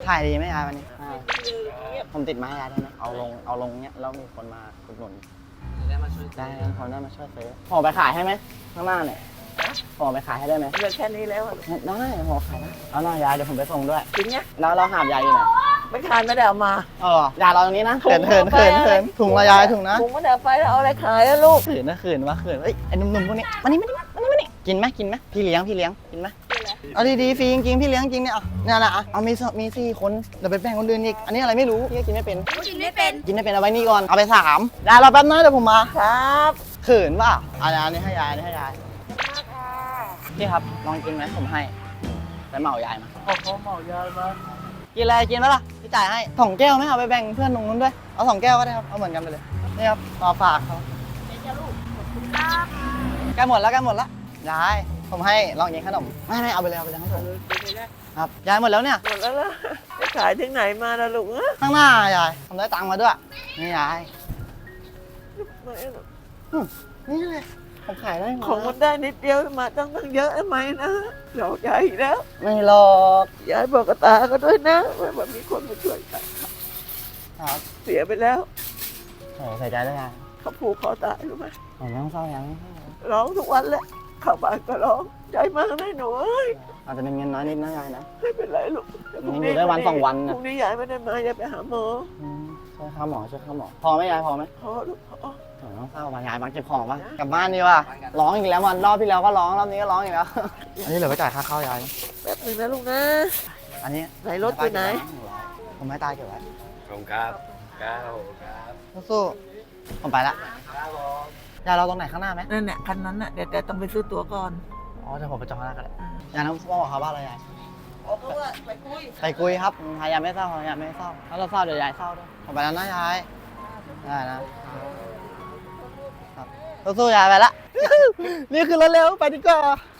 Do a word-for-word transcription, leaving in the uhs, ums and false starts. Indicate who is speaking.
Speaker 1: ขายดีไหมยายวันนี้ผมติดไม้ยายได้ไหมเอาลงเอาลงเนี้ยแล้วมีคนมาอุดหนุนได้มาช่วยได้คนได้มาช่วยซื้อห่อไปขายให้ไหมข้างหน้าเนี่ยห่อไปขายให้ได้ไหม
Speaker 2: เหลือแค่นี้แล้ว
Speaker 1: ได้ห่อขายนะเอาหน่อยยายเดี๋ยวผมไปส่งด้วย
Speaker 2: จริงเนี่ย
Speaker 1: แล้วเราหาบยายอยู่ไหน
Speaker 2: ไม่ทานไม่ได้เอามา
Speaker 1: เออยายเราตรงนี้นะเขินเขินเขินเขินถุงละยายถุงนะ
Speaker 2: ถุงไม่ได้ไปแล้วเอาอะไรขายแล้วลูก
Speaker 1: เขินนะเขินวะเขินเอ้ยไอ้หนุ่มๆพวกนี้มานี่มานี่มานี่มานี่กินไหมกินไหมพี่เลี้ยงพี่เลี้ยงกินไหมเอาดีๆฟรีจริงๆพี่เลี้ยงจริงเนี่ยเอาเนี่ยแหละเอามีมีสี่คนเดี๋ยวไปแบ่งคนอื่นอีกอันนี้อะไรไม่รู้พี่กินไม่เป็น
Speaker 3: กินไม่เป็น
Speaker 1: กินไม่เป็นเอาไว้นี่ก่อนเอาไปสามยายเราแป๊บนึงเดี๋ยวผมมา
Speaker 2: ครับ
Speaker 1: เขินป่ะอันนี้ให้ยายอันนี้ให้ยายพี่ครับลองกินไหมผมให้ไปเหมายายมา
Speaker 2: ขอขอเหมายายมา
Speaker 1: กินอะไรกินไหมล่ะพี่จ่ายให้สองแก้วไหมเอาไปแบ่งเพื่อนตรงนู้นด้วยเอาสองแก้วก็ได้ครับเอาเหมือนกันไปเลยนี่ครับมาฝากเขาใกล้หมดแล้วใกล้หมดแล้วยายผมให้ลองกินขนมไม่ไม่เอาไปเลยเอาไปเลยให้ผมครับยายหมดแล้วเนี่ย
Speaker 2: หมดแล้วล่ะไปขายถึงไหนมาล่ะลูกเอ้ย
Speaker 1: ข้างหน้ายายผมได้ตังค์มาด้วยนี่ยายนี่เลยผมขายได้หมด
Speaker 2: ของมันได้นิดเดียวมาตั้งตั้งเยอะทำไมนะหลอกยายอีกแล้ว
Speaker 1: ไม่หรอก
Speaker 2: ยายบอกกับตาก็ด้วยนะว่าแบบมีคนมาช่วยกัน
Speaker 1: ครับ
Speaker 2: เสียไปแล้ว
Speaker 1: โอ้ใส่ใจด้วยยาย
Speaker 2: เขาผูกคอตายรู้ไหม
Speaker 1: ผมยังเศร้ายัง
Speaker 2: ร้องทุกวันแหละเข้าบ้านก็ร้องใจมากนะหนูเอ้ย
Speaker 1: อาจจะเป็นเงินน้อยนิดนะยายนะ
Speaker 2: ไม่เป็นไรลูก
Speaker 1: ยังอยู่ได้วันสองวันนะ
Speaker 2: พรุ่งนี้ยายไม่ได้มายายไปหาหมอ
Speaker 1: ช่วยข้าหมอช่วยข้าหมอพอไหมยายพอไหม
Speaker 2: พอลูกพอ
Speaker 1: ต้องเศร้าว่ะยายมาเก็บของป่ะกลับบ้านดีว่ะร้องอีกแล้ววันรอบที่แล้วก็ร้องรอบนี้ก็ร้องอีกแล้วอันนี้เหลือไปจ่ายค่าข้าวยาย
Speaker 2: แป๊บนึงนะลูกนะ
Speaker 1: อันนี้
Speaker 2: ไหนรถไปไหน
Speaker 1: ผมไม่ตายเก็บไว้
Speaker 4: ขอบคุณครับครับครับ
Speaker 1: สู้ผมไปละยายเราตรงไหนข้างหน้าไหม
Speaker 2: นั่นแหละคันนั้นน่ะเดี๋ยวแต่ต้องไปซื้อตั๋วก่อน
Speaker 1: อ๋อเดี๋ยวผมไปจองข้างหน้าก็ได้ยายน้องพ่อบอกเขาว่าอะไรยาย
Speaker 2: บอกเขาว่าไปคุย
Speaker 1: ไปคุยครับพยายามไม่เศร้าพยายามไม่เศร้าถ้าเราเศร้าเดี๋ยวยายเศร้าด้วยผมไปแล้วนะยายได้นะสู้ๆยายไปละนี่คือรถเร็วไปดีกว่า